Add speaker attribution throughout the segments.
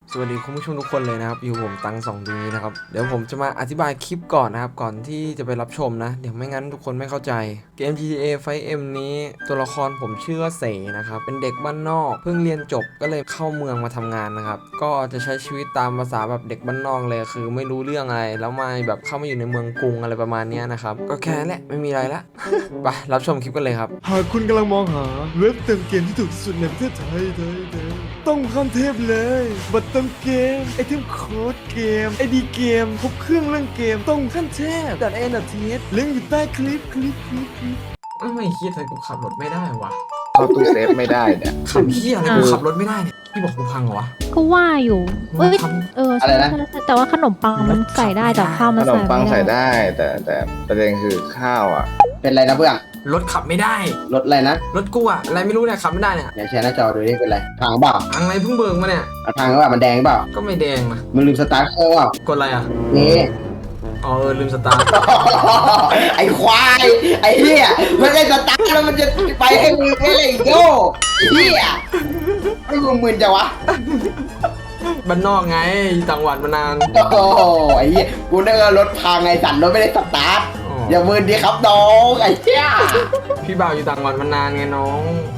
Speaker 1: สวัสดีคุณผู้ชมทุกคนเลยนะครับอยู่ผมตังสองดีนะครับเดี๋ยวผมจะมาอธิบายคลิปก่อนนะครับก่อนที่จะไปรับชมนะเดี๋ยวไม่งั้นทุกคนไม่เข้าใจเกม GTA 5M นี้ตัวละครผมชื่อว่าเสนะครับเป็นเด็กบ้านนอกเพิ่งเรียนจบก็เลยเข้าเมืองมาทำงานนะครับก็จะใช้ชีวิตตามภาษาแบบเด็กบ้านนอกเลยคือไม่รู้เรื่องอะไรแล้วมาแบบเข้ามาอยู่ในเมืองกรุงอะไรประมาณนี้นะครับก็แค่นั้นแหละไม่มีอะไรละ ไปรับชมคลิปกันเลยครับหากคุณกำลังมองหาเว็บเติมเกมที่ถูกที่สุดในประเทศไทยต้องขั้นเทพเลยบัตรเติมเกมไอเทมโค้ดเกมไอดีเกมครบเครื่องเรื่องเกมต้องขั้นเทพดัดเอ็นดัดทีสลิงก์อยู่ใต้คลิปไม่คิดเลยกูขับรถไม่ได้วะ
Speaker 2: เข้าตู้เซฟไม่ได้เนี่ย
Speaker 1: ขับเฮียอะไรกูขับรถไม่ได้เนี่ยพี่บอกกูพังเหรอวะ
Speaker 3: ก็ว่าอยู่เอ้ย
Speaker 1: ทำ
Speaker 3: ใช่ใช่แต่ว่าขนมปังมันใส่ได้แต่ข้าว
Speaker 2: ข
Speaker 3: มัน
Speaker 2: น
Speaker 3: ใส่
Speaker 2: มปัง
Speaker 3: ไม่
Speaker 2: ใส่
Speaker 3: ได้
Speaker 2: ได้แต่ประเด็นคือข้าวอ่ะ
Speaker 4: เป็นไรนะเพื่อน
Speaker 1: รถขับไม่ได้
Speaker 4: รถอะไรนะ
Speaker 1: รถกูอะอะไรไม่รู้เนี่ยขับไม่ได้เนี่ย
Speaker 4: เดี๋ยวแชร์หน้าจอดูนี่เป็นไรทางเปล่า
Speaker 1: พังอะไรเพิ่งเบิกมาเนี่ย
Speaker 4: เอาทางว่ามันแดงเปล่า
Speaker 1: ก็ไม่แดงนะ
Speaker 4: มันลืมสตาร์ทเครื่องเปล่าก
Speaker 1: ดอะไรอะ
Speaker 4: นี่
Speaker 1: อ๋อลืมสตาร์ท
Speaker 4: ไอ้ควายไอ้เหี้ยมันได้สตาร์ทแล้วมันจะไปให้มึงไม่เลยโย่ไอ้เหี้ยไม่มึงมึนจังวะ
Speaker 1: บ้านนอกไงต่างหวัดมานาน
Speaker 4: โอ้โหไอ้เหี้ยกูนึกว่ารถพังไงสั่นรถไม่ได้สตาร์ท
Speaker 1: อ๋อ
Speaker 4: อย่ามึนดิครับน้องไอ้เหี้ย
Speaker 1: พี่บ่าวอยู่ต่างหวัดมานานไงน้อง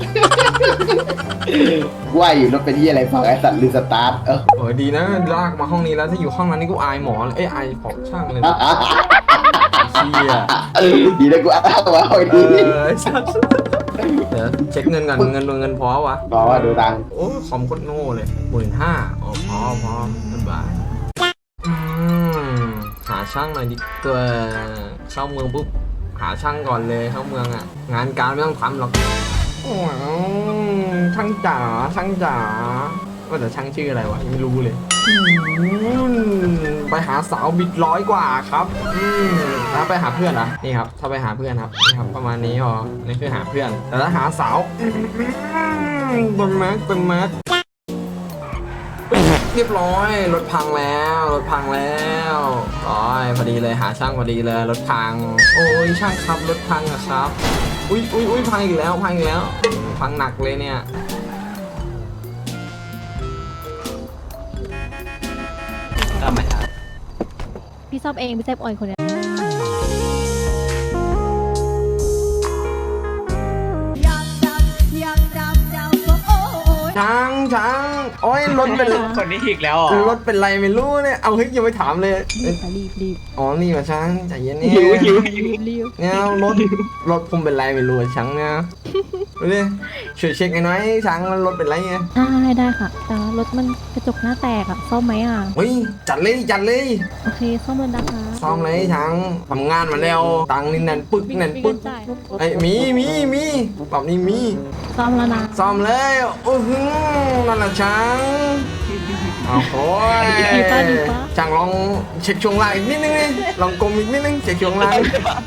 Speaker 4: ว่าอยู่รถเป็นที่อะไรพังไอ้สั่นลืมสตาร์ท
Speaker 1: โอ้ยดีนะลากมาห้องนี้แล้วถ้าอยู่ห้องนั้นนี่กูอายหมอเลยอายของช่างเลยเชี่ย
Speaker 4: ดีนะกูอ้าวว่าไอ้
Speaker 1: เอ
Speaker 4: ดี
Speaker 1: อเดี๋ยวเช็คเงินก่อนเงินพอวะ
Speaker 4: บอกว่าดูตังค์
Speaker 1: โอ้คอมโคตรโง่เลย15,000อ๋อพอสบายหาช่างหน่อยดีกว่าเข้าเมืองปุ๊บหาช่างก่อนเลยเข้าเมืองอ่ะงานการไม่ต้องทำหรอกโอ้ยช่างจ๋าว่าแต่ช่างชื่ออะไรวะยังไม่รู้เลยไปหาสาวบิด100 กว่าครับแล้วไปหาเพื่อนเหรอนี่ครับถ้าไปหาเพื่อนครับนี่ครับประมาณนี้พอนี่คือหาเพื่อนแต่ถ้าหาสาวบนแม็กเรียบร้อยรถพังแล้วร้อยพอดีเลยหาช่างพอดีเลยรถพังโอ้ยช่างครับรถพังอะครับอุ้ยพังอีกแล้วพังหนักเลยเนี่ย
Speaker 3: พี่ซ่อมเองพี่เซฟออยคนเนี้ย
Speaker 1: ช้างโอ้ยรถเป็น
Speaker 5: คนนี้อีกแล้วอ่ะ
Speaker 1: รถเป็นไรไม่รู้เนี่ยเอาเฮ้ยยังไม่ถามเลย
Speaker 3: รีบ
Speaker 1: อ๋อนี่มาช้างใจเย็นนี่
Speaker 5: หิว
Speaker 1: เนี่ยรถผมเป็นไรไม่รู้อะช้างเนี่ยดูดิช่วยเช็คหน่อยช้างรถเป็นไรไง
Speaker 3: ได้ค่ะแต่ว่ารถมันกระจกหน้าแตกอ่ะซ่อมไหมอ่ะ
Speaker 1: เฮ้ยจัดเลย
Speaker 3: โอเคซ่อมเลยนะคะ
Speaker 1: ซ้อมเลยช้างทำงานมาแล้วตังค์นี่แน่นปึก
Speaker 3: มีเงินจ่าย
Speaker 1: ไอ้ยมีแบบนี้มี
Speaker 3: ซ่อมแล้วนะ
Speaker 1: ซ้อมเลยโอ้โหนั่นแหละช้างโอ้โห
Speaker 3: ดีป่ะ
Speaker 1: ช่างลองเช็คช่วงล่างอีกนิดนึงลองกลมอีกนิดนึงเช็คช่วงล่าง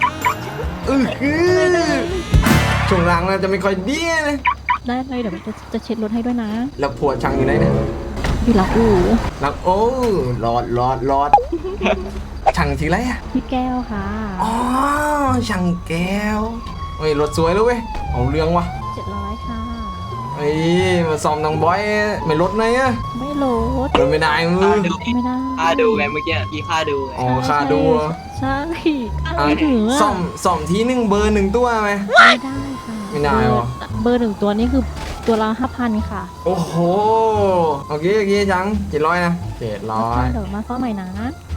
Speaker 1: ช่วงล่างน่าจะไม่ค่อยดีเลย
Speaker 3: ได้เลยเดี๋ยวจะเช็ดรถให้ด้วยนะ
Speaker 1: แล้วผัวช่างอยู่ไหนเนี่ย
Speaker 3: อยู่หลังอู่
Speaker 1: หลังโอ้รอดช่างทีไรอะ
Speaker 3: พี่แก้วค่ะ
Speaker 1: อ๋อช่างแก้วเฮ้ยรถสวยแล้วเว้ยเอาเรื่องวะ
Speaker 3: 700ค่ะ
Speaker 1: เฮ้ยมาซ้อมนางบอยไม่ลดเลยอะ
Speaker 3: ไม่โหลด
Speaker 1: ลดไม่ได้มือ
Speaker 3: ไม่ได้
Speaker 5: ค่าดูไงเมื่อกี้พี่ค่าดูไง
Speaker 1: อ๋อค่าดูอะ
Speaker 3: ใช่
Speaker 1: อ่ะ
Speaker 3: ไม่ถึง
Speaker 1: ซ่อมทีนึงเบอร์1 ตัวไหม
Speaker 3: ไม่ได้ค่ะ
Speaker 1: ไม่ได้หรอ
Speaker 3: เบอร์1 ตัวนี่คือตัวละ 5,000 ค่ะ
Speaker 1: โอ้โหโอเคจัง700นะ700
Speaker 3: เดี๋ยวมาซ่อมใหม่นะ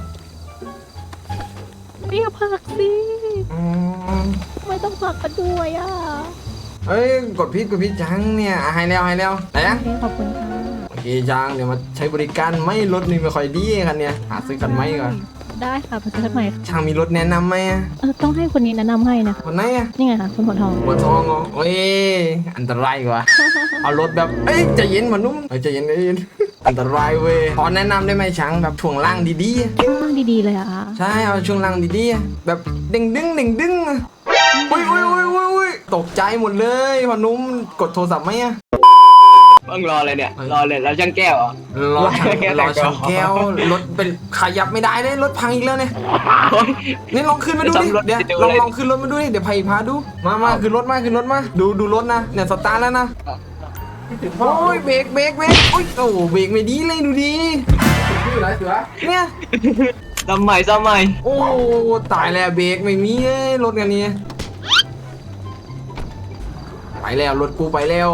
Speaker 3: เรียกผักสิ
Speaker 1: อืม
Speaker 3: ไม่ต้องผักกันด้วยอ่ะ
Speaker 1: เอ้ยกดพิษจังเนี่ยให้แล้วไหนอะ
Speaker 3: โอเคขอบคุณค่ะ
Speaker 1: โอเคจังเดี๋ยวมาใช้บริการไม่รถนี่ไม่ค่อยดีกันเนี่ยหาซื้อกันไหมก่อน
Speaker 3: ได้ค่ะไปซื้อกันใหม่ค่ะ
Speaker 1: ช่างมีรถแนะนำไหมอะ
Speaker 3: ต้องให้คนนี้แนะนำให้นะคะ
Speaker 1: คนไหนอะ
Speaker 3: นี่ไงค่ะคุณหัวทอง
Speaker 1: หัวทองเหรอโอ้ยอันตรายกว่า เอารถแบบเอ้ยใจเย็นมานุ่มใจเย็นอันตรายเว้ยพอแนะนำได้ไหมช่างแบบช่วงล่างดีๆอะ
Speaker 3: ข้างดีๆเลยอะค่ะ
Speaker 1: ใช่เอาช่วงล่างดีๆอะแบบเด้งดึงอะอุ้ยตกใจหมดเลยพอนุ่มกดโทรศัพท์ไหมอะ
Speaker 5: มึงรอเลยเนี่ย รอเลยแล้วช่างแก้วอ่ะ
Speaker 1: รอช่างแก้วรถเป็นขยับไม่ได้เลยรถพังอีกแล้วเนี่ย
Speaker 5: โอ้ย
Speaker 1: นี่ลองขึ้นมาดูดิ
Speaker 5: จะซ่อมรถ
Speaker 1: เดี๋ยว
Speaker 5: จะดู
Speaker 1: ลอง
Speaker 5: เลย
Speaker 1: ลองขึ้นรถมาดูดิเดี๋ยวพาดูมาขึ้นรถมาดูรถนะเนี่ยสตาร์ทแล้วนะโอ้ยเบรกโอ้ยโอ้เบรกไม่ดีเลยดูดิเนี่ย
Speaker 5: ทำใหม่
Speaker 1: โอ้ตายแล้วเบรกไม่มีเลยรถกันนี้ไปแล้วรถกูไปแล้ว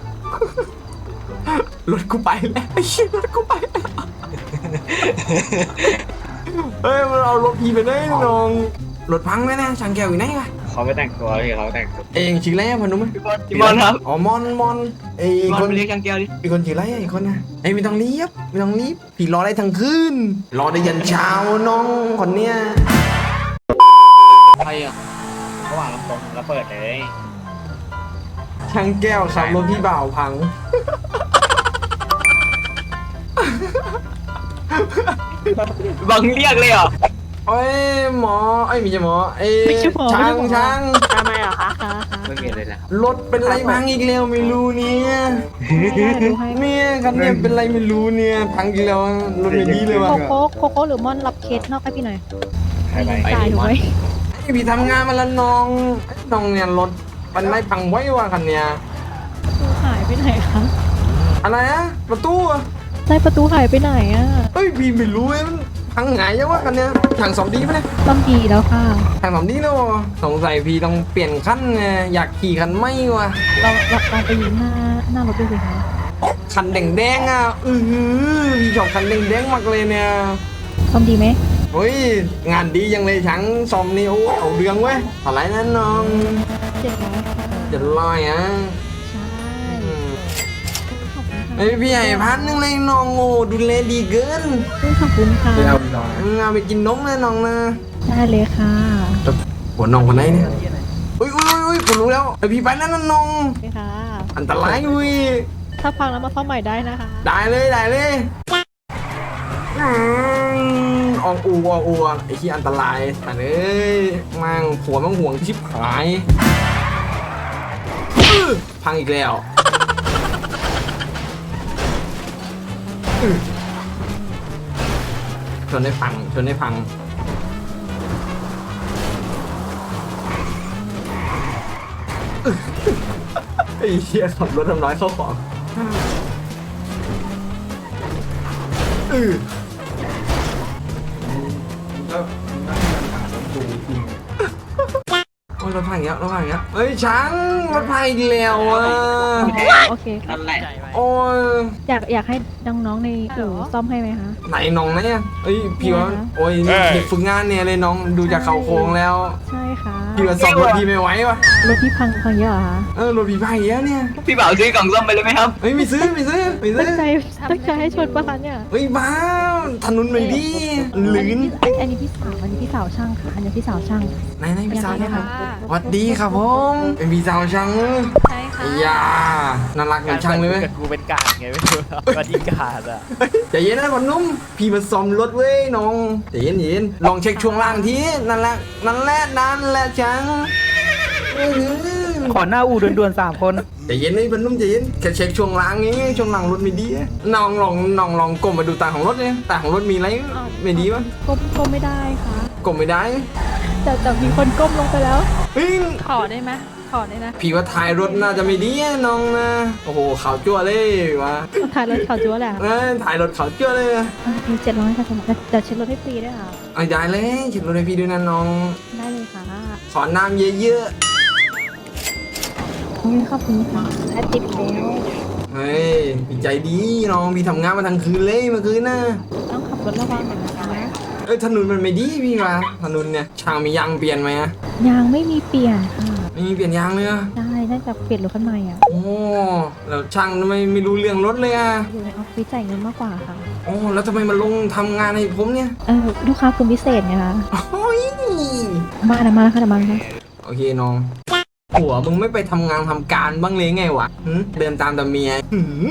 Speaker 1: รถกูไปแล้วไอ้เหี้ยรถกูไปแล้วเฮ้ยมันเอารถพี่ไปได้น้องรถพังไหมนะช่างแก้วอยู่ไหนวะ
Speaker 5: เขาไม่แต่งตัวพี่เขาแต่งตัว
Speaker 1: เองชื่ออะไรอะพนุม
Speaker 5: พี่บอลครับ
Speaker 1: อ๋อมอนไอ้
Speaker 5: พี่บอ
Speaker 1: ค
Speaker 5: ล
Speaker 1: น
Speaker 5: ไปเรียกช่างแก้วดิ
Speaker 1: อีกคนชื่ออะไรอีกคนนะไอ้ไม่ต้องรีบพี่รอได้ทั้งคืนรอได้ยันเช้าน้องคนเนี้ย
Speaker 5: ใครอ่ะระหว่างลำตรงแล้วเปิดเลย
Speaker 1: ช่างแก้วขับรถพี่บ่าวพัง
Speaker 5: บังเรียกเลยเหรอ
Speaker 1: โอ้ยหมอไอ้ยไม่ใช่หมอไอ้
Speaker 3: ไม่ใช่หมอ
Speaker 1: ช่าง
Speaker 3: ไม่ใช่หมอ
Speaker 1: ช่าง
Speaker 3: ทำไมเหรอคะคะ
Speaker 5: ไม่มีอะไรนะครับ
Speaker 1: รถเป็นไรพังอีกแล้วไม่รู้เนี่ย
Speaker 3: ดูให้
Speaker 1: เนี่ยคันเนี่ยเป็นไรไม่รู้เนี่ยพังอีกแล้วรถไม่ดีเลยว่ะ
Speaker 3: โคโค่หรือม่อนรับเคสนอกให้พี่หน่อย
Speaker 5: ใครไป
Speaker 3: จ่ายถูกไหม
Speaker 1: ไอ้พี่ทำงานมาแล้วน้องเนี่ยรถมันไรพังไว้ว่ะคันเนี่ย
Speaker 3: ประตูหายไปไหนคะ
Speaker 1: อะไรนะประตูอะ
Speaker 3: ใช่ประตูหายไปไหนอ่ะ
Speaker 1: เอ้ยพี่ไม่รู้เลยมันพังไงยังวะคันเนี้ยถังสองดีไหมเนี่ย
Speaker 3: ต้องดีแล้วค่ะ
Speaker 1: ถังสองดีแล้ววะสงสัยพี่ต้องเปลี่ยนคันไงอยากขี่คันไม่วะ
Speaker 3: เราไปยืนหน้ารถดูสิคะ
Speaker 1: คันแดงๆอ่ะพี่ชอบคันแดงๆมากเลยเนี่ย
Speaker 3: ต้องดีไหม
Speaker 1: เฮ้ยงานดียังเลยช่างซ่อมนี่โอ้เอาเรื่องเว้ยอะไรนั่นน้อง
Speaker 3: 700ค่ะ
Speaker 1: จะลอยอ่ะ
Speaker 3: ใช่
Speaker 1: อืม
Speaker 3: ขอบคุณค่ะ
Speaker 1: ไอ้พี่ใหญ่1,000เลยน้องโอ้ดูแลดีเกิน
Speaker 3: ขอบคุณค่ะ
Speaker 1: เอาไปกินนมเลยน้องนะ
Speaker 3: ได้เลยค่ะ
Speaker 1: หัวน้องคนไหนเนี่ยอุ้ยผมรู้แล้วไอพี่ไปแล้วนะน้อง
Speaker 3: โอเคค่ะ
Speaker 1: อันตรายอุ้ย
Speaker 3: ถ้าพังแล้วมาซ่อมใหม่ได้นะคะ
Speaker 1: ได้เลยออกอูไอ้ที่อันตรายแต่เอ้ยมั่งผัวมั่งห่วงชิบหายพังอีกแล้วชนได้พังไอ้เหี้ยขับรถทำร้ายเข้าของโอ้ยรถพังอีกแล้วเฮ้ยช้างรถพังอีกแล้วอ่ะ
Speaker 3: โอเคค่ะ
Speaker 5: นั่นแหละ
Speaker 1: โอ้ย
Speaker 3: อยากให้น้องๆในอู่ซ่อมให้ไหมคะ
Speaker 1: ไหนน้องเนี่ยเอ้ยพี่ว่าโอ้ยเด็กฝึกงานเนี่ยเลยน้องดูจากเขาโครงแล้ว
Speaker 3: ใช่ค่ะ
Speaker 1: พี่ว่าซ่อมรถพี่ไม่ไหววะ
Speaker 3: รถที่พังเยอะเหรอคะ
Speaker 1: รถพี่พังอีกแล้วเนี่ย
Speaker 5: พี่บ่าวซื้อกล่องส้มไปเลยไหมครับ
Speaker 1: เฮ้ยไม่ซื้อ
Speaker 3: ตั้งใจให้ชนปะคะเนี่ย
Speaker 1: เฮ้ยบ้าถนนไม่ดีลื่น
Speaker 3: อันนี้พี่สาวช่างค่ะอันนี้พี่สาวช่าง
Speaker 1: ไหนพี่สาวเนี่ยครับสวัสดีครับผมเป็นพี่สาวช่าง
Speaker 3: ใช่ค่ะ
Speaker 1: อย่าน่ารักเหมือนช่างเลยไหม
Speaker 6: กูเป็นกาดไงไม่รู้ว่าที่กาดอ่ะ
Speaker 1: ใจเย็นนะคนนุ่มพี่มาซ่อมรถเว้ยน้องใจเย็นลองเช็คช่วงล่างทีนั่นแหละช่าง
Speaker 6: ขอหน้าอูด่วนๆ3 คน
Speaker 1: ใจเย็นนี่คนนุ่มใจเย็นแค่เช็คช่วงล่างนี้ช่วงล่างรถไม่ดีน้องลองก้มมาดูตาของรถเนี่ยตาของรถมีอะไรไม่ดีวะ
Speaker 3: ก้มไม่ได้ค่ะ
Speaker 1: ก้มไม่ได้
Speaker 3: แต่มีคนก้มลงไปแล้ว
Speaker 1: เฮ้ย
Speaker 3: ขอได้ไหมขอได้นะ
Speaker 1: พี่ว่าท้ายรถน่าจะไม่ดีอะน้องนะโอ้โหขาวจั่วเลยวะ
Speaker 3: ถ่ายรถเขาจั๊วแหละ
Speaker 1: ถ่ายรถขาวจั่วเลยอะ
Speaker 3: มี700ค่ะแต่เช็ดรถให้ฟรีด้วยค่ะ
Speaker 1: เอาได้เลยเช็ดรถให้พี่ด้วยนะน้อง
Speaker 3: ได้เลยค่ะ
Speaker 1: ขอน้ำเยอะ
Speaker 3: ขอบคุณค่ะและติดแล้ว
Speaker 1: ๆเฮ้ยพี่ใจดีน้องพี่ทำงานมาทั้งคืนเลยเมื่อคืนน่ะ
Speaker 3: ต้องขับรถระวังหน่อยนะคะ
Speaker 1: ถนนมันไม่ดีพี่วะถนนเนี่ยช่างมียางเปลี่ยนไหมอะ
Speaker 3: ยางไม่มีเปลี่ยนค่ะ
Speaker 1: ไม่มีเปลี่ยนยางเลยอะ
Speaker 3: ได้น่าจะเปลี่ยนรถคันใหม่อ่ะ
Speaker 1: โอ้แล้วช่างทำไมไม่รู้เรื่องรถเลยอะ
Speaker 3: อยู่ในออฟฟิศจ่ายเงินมากกว่าค่ะ
Speaker 1: โอ้แล้วทำไมมาลงทำงานให้ผมเนี่ย
Speaker 3: ลูกค้าคุณพิเศษไงคะ
Speaker 1: โอ้ย
Speaker 3: มาแล้วค่ะเดี๋ยวมาค่ะ
Speaker 1: โอเคน้องหัวมึงไม่ไปทำงานทำการบ้างเลยไงวะเดินตามแต่เมีย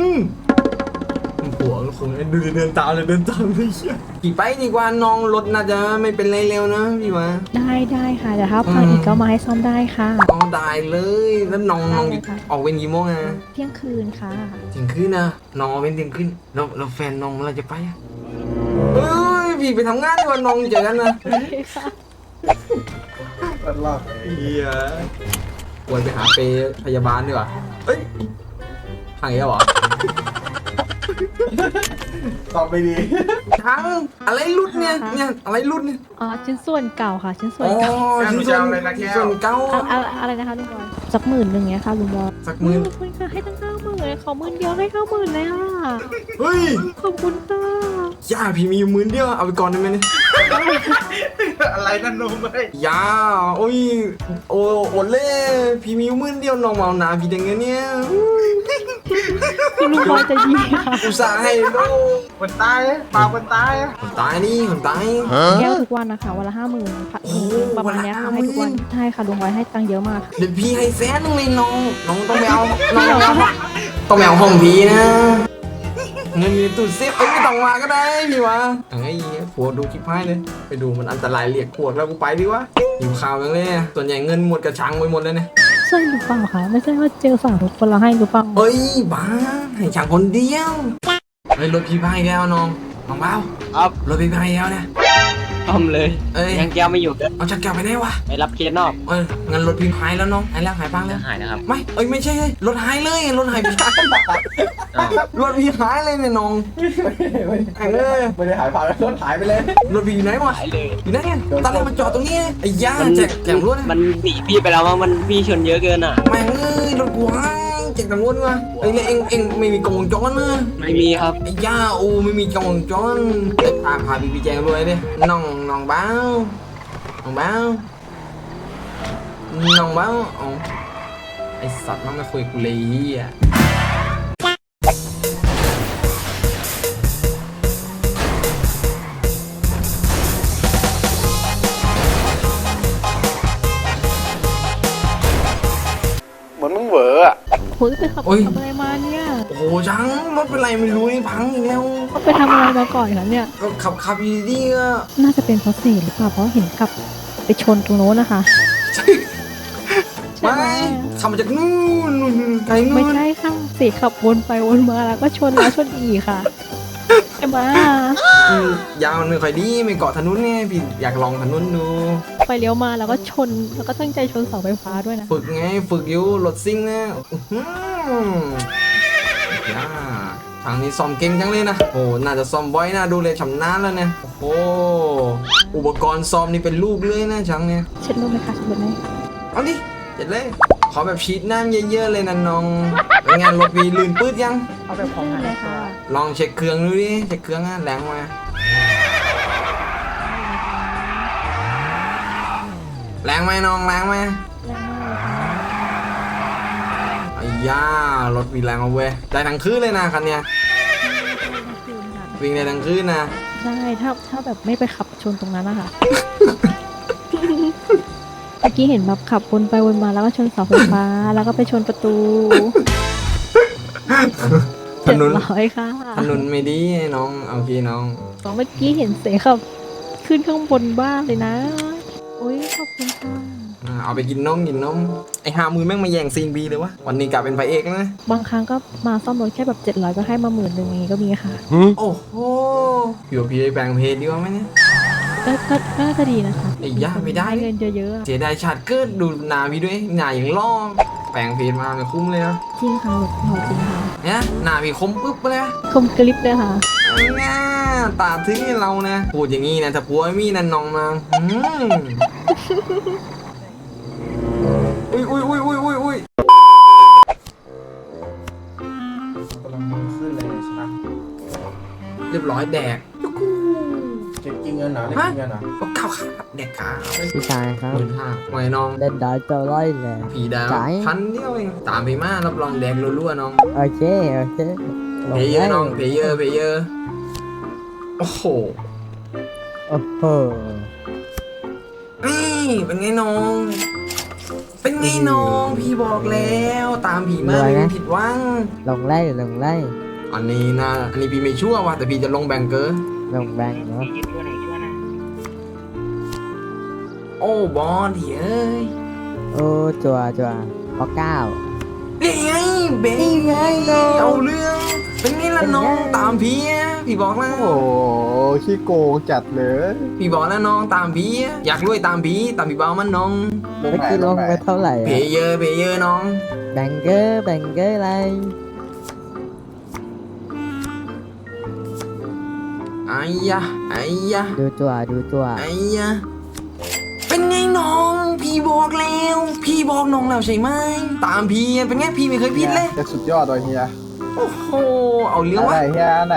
Speaker 1: หัวคงดูเดินตามเลยขี่ไปดีกว่าน้องรถน่าจะไม่เป็นไรเร็วนะพี่วะ
Speaker 3: ได้ค่ะแต่ถ้าพังอีกก็มาให้ซ่อมได้ค่ะ
Speaker 1: อ๋อได้เลยแล้วน้อง
Speaker 3: ได้เลยค่ะ
Speaker 1: ออกเวรกี่โมงอะ
Speaker 3: เที่ยงคืนค่ะ
Speaker 1: เที่ยงคืนนะน้องออกเวรเที่ยงคืนเราแฟนน้องเมื่อไหรจะไปอะเอ้ยพี่ไปทำงานดีกว่าน้องเจอกันนะ
Speaker 3: โอเคค่ะ
Speaker 1: เฮียควรไปหาเปรย์พยาบาลดีกว่าเอ้ยพังอีกแล้วเหรอ
Speaker 2: ตอบไม่ดี
Speaker 1: พังอะไรรุดเนี่ยอะไรรุดเนี่ย
Speaker 3: อ๋อชิ้นส่วนเก่าค่ะ ชิ้นส่ว
Speaker 1: อ๋
Speaker 3: น
Speaker 1: อ
Speaker 3: เก่า
Speaker 1: ชิ้นส่วนเก้า
Speaker 3: อะไรนะคะลุงบอยสัก10,000เงี้ยค่ะลุงบอย
Speaker 1: สักหมื่น
Speaker 3: ขอบคุณค่ะให้ตั้ง90,000เลยขอ10,000เดียวให้90,000เลยอ่ะ
Speaker 1: เฮ้ย
Speaker 3: ขอบคุณค่ะ
Speaker 1: ย่าพี่มีอยู่10,000เดียวเอาไปก่อนได้ไหมเนี่ย
Speaker 5: อะไรนั่นนุ่มเลย
Speaker 1: ย่าโอ้ยโอ้โอเล่พี่มีอยู่10,000เดียวน้องเมาหนาพี่ได้เงินเนี่ย
Speaker 3: คุณลุงบอยใจะดีค่ะ
Speaker 1: อุตส่าห์ให้โล
Speaker 5: คนตายปลาคนตาย
Speaker 1: คนตายนี่คนตาย
Speaker 3: แก้วทุกวันนะคะวันละ50,000ค่ะ
Speaker 1: โอ้โห
Speaker 3: ประมาณเนี้ยค่ะ
Speaker 1: วันละ
Speaker 3: ให้ทุกวัน
Speaker 1: 50,000
Speaker 3: ใช่ค่ะลุงบอยให้ตังค์เยอะมากค่ะ
Speaker 1: เดี๋ยวพี่ให้แสนนึงเลยน้องต้องไปเอาน้องต้องไปเอาห้องพี่นะ เงินอยู่ในตู้เซฟไม่ต้องมาก็ได้พี่วะไอ้ผัวดูคลิปให้เลยไปดูมันอันตรายเรียกพวกแล้วกูไปดีวะหิวข่าวยังเลยเนี่ยส่วนใหญ่เงินหมดกระชังไปหมดเลยเนี่ย
Speaker 3: ใช่หรือเปล่าคะไม่ใช่ว่าเจอฝั่งทุกคนเราให้หรือเปล่า
Speaker 1: เอ้ยบ้าให้ช่างคนเดียวเฮ้ยรถพี่พายแล้วน้องเบา
Speaker 7: ครับ
Speaker 1: รถพี่พายแล้วเนี่ย
Speaker 7: ต้มเลย
Speaker 1: เอ้ย
Speaker 7: ยังแก้วไม่อยู่เด้อ
Speaker 1: เอาจักรแก้วไปไหนวะ
Speaker 7: ไปรับเคสนอก
Speaker 1: งั้นรถพี่พายแล้วน้องหายแล้วหายปังแล้ว
Speaker 7: หายนะครับ
Speaker 1: ไม่ไม่ใช่รถหายเลยรถหายพี่
Speaker 7: อ้าว
Speaker 1: รถพี่หายเลยเนี่ยน้องหายเลย
Speaker 2: ไม่ได้หายผ่านรถหายไปเลย
Speaker 1: รถพี่อยู่ไหนวะ
Speaker 7: หายเลย
Speaker 1: อยู่ไหนเนี่ยตอนแรกมันจอดตรงนี้ไอ้ย่าแจกรถ
Speaker 7: มันหนีพี่ไปแล้วมั้งมันพี่ชนเยอะเกินอ่ะ
Speaker 1: แม่งเอ้ยรถกูหายแจกตำรวจวะไอ้เนี่ยเอ็งไม่มีกล้องวงจรนะ
Speaker 7: ไม่มีครับ
Speaker 1: ไอ้ย่าโอ้ไม่มีกล้องวงจรไอ้พาพี่แจงรวยดิน้องเบ้าน้องเบ้าอ๋อไอ้สัตว์มันไม่คุยกูเลยอ่ะ
Speaker 2: เหมือนมึงเหวออะ
Speaker 3: คุยไปขับอะไรมาเนี่ย
Speaker 1: โอ้โหจังรถเป็นไรไม่รู้นี่พังอีกแล้ว
Speaker 3: เขาไปทำอะไรมาก่อนคะเนี่ย
Speaker 1: ก็ขับอยู่ดีๆก็
Speaker 3: น่าจะเป็นเพราะเศษหรือเปล่าเพราะเห็นขับไปชนตรงโน้นนะคะ
Speaker 1: ไม่ขับมาจากนู่นไกลนู่น
Speaker 3: ไม่ใช่ค่ะเศษขับวนไปวนมาแล้วก็ชนแล้วชนอีกค่ะใช่ไหม
Speaker 1: ยาวมันไม่ค่อยดีไม่เกาะถนนไงพี่อยากลองถนนดู
Speaker 3: ไปเลี้ยวมาแล้วก็ชนแล้วก็ตั้งใจชนเสาไฟฟ้าด้วยนะ
Speaker 1: ฝึกไงฝึกอยู่รถซิ่งนะย่าทางนี้ซ่อมเก่งจังเลยนะโอ้น่าจะซ่อมบ่อยนะดูเลยชำนาญแล้วเนี่ยโอ้โหอุปกรณ์ซ่อมนี่เป็นลูกเลยนะจังเนี่ย
Speaker 3: เช็ดรถไหมคะเช็ดรถไหม
Speaker 1: เอาดิเจ็ดเลยขอแบบชีดน้ำเยอะๆเลยนะน้องเป็นไงรถวีลื่นปื๊ดยัง
Speaker 6: เอาแบบของหาย
Speaker 3: เลยค่ะ
Speaker 1: ลองเช็คเครื่องดูดิเช็คเครื่องอะแรงมาแรงไหมน้องแรงไหม
Speaker 3: แรงมากเลยค่ะ
Speaker 1: ไอ้ย่ารถวีแรงเอาเว้ยได้ทั้งคืนเลยนะคันเนี้ยวิ่งได้ทั้งคืนนะ
Speaker 3: ใช่ถ้าแบบไม่ไปขับชนตรงนั้นนะคะ เมื่อกี้เห็นแบบขับวนไปวนมาแล้วก็ชนเสาไฟฟ้าแล้วก็ไปชนประตู
Speaker 1: ถนน
Speaker 3: 700ค่ะ
Speaker 1: ถนนไม่ดีน้องเอาพี่น้อง
Speaker 3: เมื่อกี้เห็นเสขับขึ้นข้างบนบ้านเลยนะอุ้ยขอบคุณค่ะ
Speaker 1: เอาไปกินนมไอ้50,000แม่งมาแย่งซีนบีเลยวะวันนี้กลายเป็นพระเอกแล้วนะ
Speaker 3: บางครั้งก็มาซ่อมรถแค่แบบ700ก็ให้มา10,000อย่างงี้ก็มีค่ะ
Speaker 1: โอ้โหพี่ว่าพี่ได้แปลงเพจดีกว่าไหมเนี่ย
Speaker 3: ก็น่าจะดีนะคะ
Speaker 1: ไอ้ย่าไม่ได้
Speaker 3: เงินเยอะๆอะ
Speaker 1: เสียดายชาติเกิดดูหนาพี่ด้วยหนาอย่างล่อแปลงเพจมาไม่คุ้มเลยนะ
Speaker 3: จริงค่ะรถหล่อจริงค่ะ
Speaker 1: เนี่ยหนาพี่คมปึ๊บไปเลย
Speaker 3: คมกริบเลยค่ะ
Speaker 1: ง่าตาถึงให้เรานะพูดอย่างนี้นะถ้าผัวไม่มีนั่นน้องมาอุ้ย
Speaker 2: กำลังขึ้นเลยใช่ไหม
Speaker 1: เรียบร้อยแดก
Speaker 2: เก็บกินเงินเหรอได้กินเงินเหรอ
Speaker 1: ก็ข้าวแดกขาว
Speaker 8: พี่ชายครับ
Speaker 1: 15,000ไว้น้อง
Speaker 8: เล่นดอยตัวร้อยเลย
Speaker 1: ผีดาว
Speaker 8: จ่าย
Speaker 1: พันเดียวเองตามพี่มารับรองแดกรัวๆน้อง
Speaker 8: โอเคโอเค
Speaker 1: เพย์เยอร์น้องเพย์เยอร์โอ้โห
Speaker 8: โอ้โห
Speaker 1: นี่เป็นไงน้องเป็นไงน้องพี่บอกแล้วตามผีมาไม่มีผิดหวัง
Speaker 8: ลงไล่ลงไล่
Speaker 1: อันนี้นะอันนี้พี่ไม่ชั่วว่ะแต่พี่จะลงแบงเกอร์
Speaker 8: ลงแบงค์เนาะ
Speaker 1: โอ้บอลเฮ้ย
Speaker 8: โอ้จัวพอเก้า
Speaker 1: นี่ไงเบงไงเอาเรื่องเป็นไงล่ะน้องตามพี่อะพี่บอกแล้ว
Speaker 2: โอ้โหขี้โกงจัดเลย
Speaker 1: พี่บอกแล้วน้องตามพี่อะอยากรวยตามพี่เบามันน้อง
Speaker 8: เมื่อกี้ลงไปเท่าไหร่
Speaker 1: เพย์เยอร์น้อง
Speaker 8: แบงเกอร์อะไร
Speaker 1: ไอ้ยะไอ้ยะ
Speaker 8: ดูตัวดูตัว
Speaker 1: ไอ้ยะเป็นไงน้องพี่บอกแล้วพี่บอกน้องแล้วใช่ไหมตามพี่เป็นไงพี่ไม่เคยผิดเลย
Speaker 2: จะสุดยอดเลยเฮีย
Speaker 1: โอ้โหเอาเรื่อง
Speaker 2: อะไร
Speaker 1: วะ
Speaker 2: เฮียไหน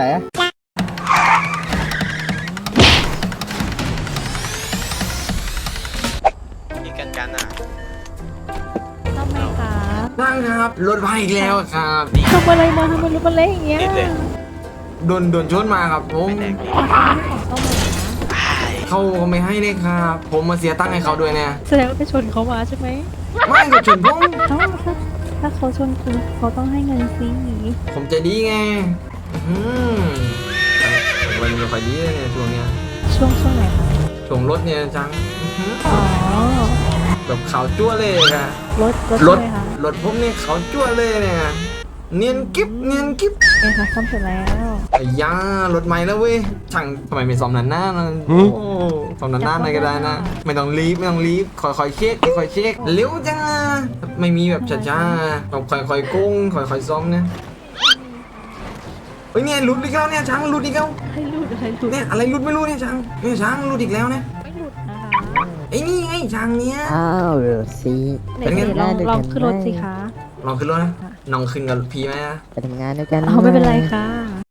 Speaker 3: ทำไมคะ
Speaker 1: นั่งครับรถมาอีกแล้วครับ
Speaker 3: ทำอะไรมาทำไมรถมันเละอย่างเงี้ย
Speaker 1: โดนชนมาครับผม
Speaker 3: ของต้มเลยนะ
Speaker 1: เขาไม่ให้เลยครับ ผมมาเสียตังค์ให้เขาด้วยเนี่ย
Speaker 3: แสดงว่าไปชนเขามาใช่ไหม
Speaker 1: ไม่ก็ชนผม
Speaker 3: เอ้าถ้าเขาชนคุณเขาต้องให้เงินสิ
Speaker 1: ผมใจะดีไงอืมวันนี้ไม่ค่อยดีเลยเนี่ยช่วงเนี้ย
Speaker 3: ช่วงไหนคะ
Speaker 1: ช่วงรถเนี่ยจังอื้อหือ
Speaker 3: อ๋อ
Speaker 1: แบบขาวจั่วเลยอะ
Speaker 3: รถ
Speaker 1: รถ
Speaker 3: ใช่ไหมคะ
Speaker 1: รถผมเนี่ยขาวจั่วเลยเนี่ยเนียนกิ๊บเนียนกิ๊บ
Speaker 3: เอ้ค่ะซ่อมเสร็จแล้ว
Speaker 1: ไอ้ยารถใหม่แล้วเว้ยช่างทำไมไม่ซ่อมนานๆนะโอ้ซ่อมนานๆหน่อยก็ได้นะ ไม่ต้องรีบไม่ต้องรีบค่อยๆเช็คค่อยๆเช็คเร็วจังอะไม่มีแบบช้าๆต้องค่อยๆกุ้งค่อยๆซ่อมเนี่ยเฮ้ยเนี่ยหลุดอีกแล้วเนี่ยช่างหลุดอีกแล้ว
Speaker 3: ให้หลุด
Speaker 1: เนี่ยอะไรหลุดไม่รู้เนี่ยช่างเนี่ยช่างหลุดอีกแล้วเนี่ย
Speaker 3: ไม่หลุดนะคะ
Speaker 1: ไอ้นี่ไงช่างเนี่ย
Speaker 8: อ้าวเดี๋ยวสิ
Speaker 3: ไหน
Speaker 1: เป็นไง
Speaker 3: ลองขึ้นรถสิคะ
Speaker 1: ลองขึ้นรถนะน้องขึ้นกับพี่ไหมนะ
Speaker 8: ไปทำงานด้วยกัน
Speaker 3: เอาไม่เป็นไรค่ะ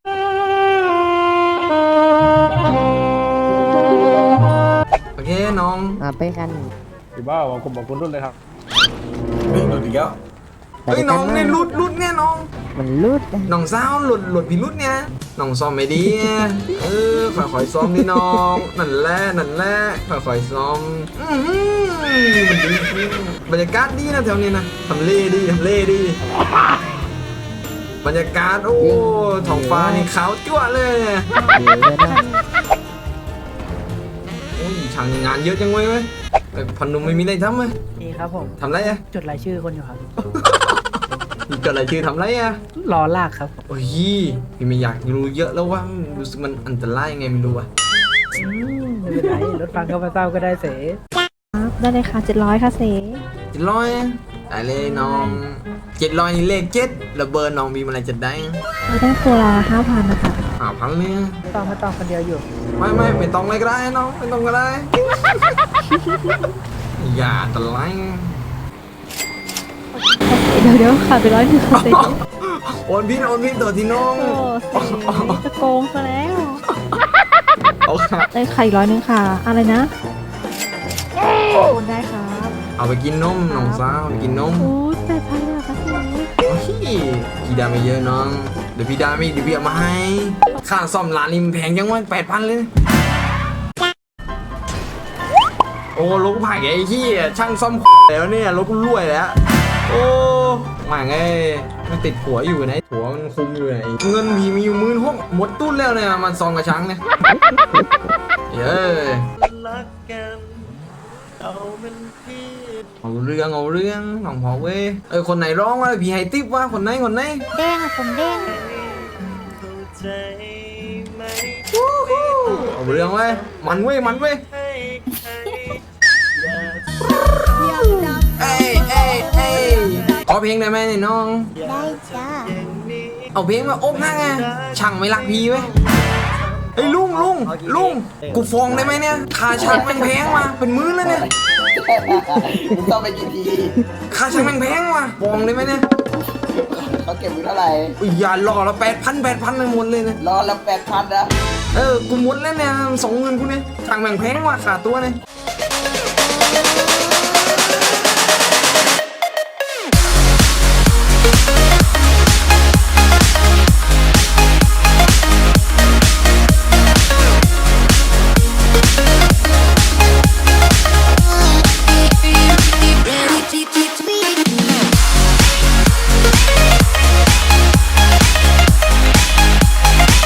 Speaker 1: โอเคน้อง
Speaker 8: มาไปกัน
Speaker 2: พี่บ้าผมบอกคุณรุ่นเลยครับ
Speaker 1: เฮ้ยหลุดอีกแล้ว
Speaker 8: ไป
Speaker 1: เฮ้ย
Speaker 8: ด้วย
Speaker 1: น้
Speaker 8: กั
Speaker 1: อง
Speaker 8: น
Speaker 1: เนี่ยหลุดเนี่ยน้อง
Speaker 8: มันรุด
Speaker 1: น้องสาวหลุดพี่หลุดเนี่ยน้องซ้อมไม่ดีเออค่อยๆซ้อมดิน้องนั่นแหละค่อยๆซ้อมมันดีจริงบรรยากาศดีนะแถวนี้นะทำเลดีบรรยากาศโอ้ท้องฟ้านี่ขาวจั่วเลยเนี่ย
Speaker 8: เดี๋ยวนะ
Speaker 1: โอ้ยช่างงานเยอะจังเว้ยพันนุ่มไม่มีอะไรทำเลย
Speaker 6: นี่ครับผม
Speaker 1: ทำไรอะ
Speaker 6: จดรายชื่อคนอยู่ครับ
Speaker 1: เกิดอะไรชื่อทำไรอะ
Speaker 6: รอลากครับ
Speaker 1: โอ้ยพี่ไม่อยากรู้เยอะแล้วว่ารู้สึกมันอันตรายยังไงไม่รู้อะ
Speaker 6: ไม่เป็นไรรถฟังก็มาเศร้าก็ได้เส
Speaker 3: ครับได้เลยค่ะ700ค่ะเส
Speaker 1: 700ได้เลยน้อง700นี่เลข7แล้วเบอร์น้องมีอะไรจะได้
Speaker 3: เราได้ตัวละ5,000นะคะ
Speaker 1: 5,000เลย
Speaker 6: ไม่ต้องคนเดียวอยู่
Speaker 1: ไม่ต้องเลยก็ได้น้องไม่ต้องก็ได้ อย่าอันตราย
Speaker 3: เดี๋ยวขาดไป100ค่ะเส
Speaker 1: โอนพี่ตัวที่น้อง
Speaker 3: โอ้เสจะโกงซะแล้ว
Speaker 1: เอาค่ะ
Speaker 3: ได้ไข่100ค่ะ อะไรนะโอนได้ครับ
Speaker 1: เอาไปกินนมน้องสาวไปกินนม
Speaker 3: โอ้ย8,000เลยเหรอคะเส
Speaker 1: โอ้ยพี่ดาไม่เยอะน้องเดี๋ยวพี่ดาไม่เดี๋ยวพี่เอามาให้ค่าซ่อมร้านนี่มันแพงจังวะ8,000เลย โอ้รถผ่านไอ้ที่ช่างซ่อมแล้วเนี่ยรถกูรวยแล้วโอ้มาไงมันติดผัวอยู่ไหนผัวมันคุมอยู่ไหนเงินพี่มีอยู่16,000หมดตุ้นแล้วเนี่ยมันซองกับช้างเนี่ยเย้เอาเรื่องน้องพอเว้ยคนไหนร้องวะพี่ให้ติ๊บวะคนไหน
Speaker 3: เด้งอะผมเด้ง
Speaker 1: เอาเรื่องเว้ยมันเว้ยเอ้ยขอเพลงได้ไหมเนี่ยน้อง
Speaker 3: ได้จ้า
Speaker 1: เอาเพลงมาอบหน้าไงช่างไม่รักพี่เว้ยไอ้ยลุงกูฟ้องได้ไหมเนี่ยค่าช่างแพงๆมาเป็นมื้อแล้วเนี่ย
Speaker 4: มึงต้องไปกี่ที
Speaker 1: ค่าช่างแพงๆมาฟ้องได้ไหมเนี่ย
Speaker 4: เขาเก็บมึงเท่าไหร่
Speaker 1: อุ้ยอย่าหลอกเรา8,000เลยหมดเลยนะ
Speaker 4: รอละ8,000นะ
Speaker 1: กูหมดแล้วเนี่ย20,000กูเนี่ยช่างแพงๆว่ะค่าตัวเนี่ย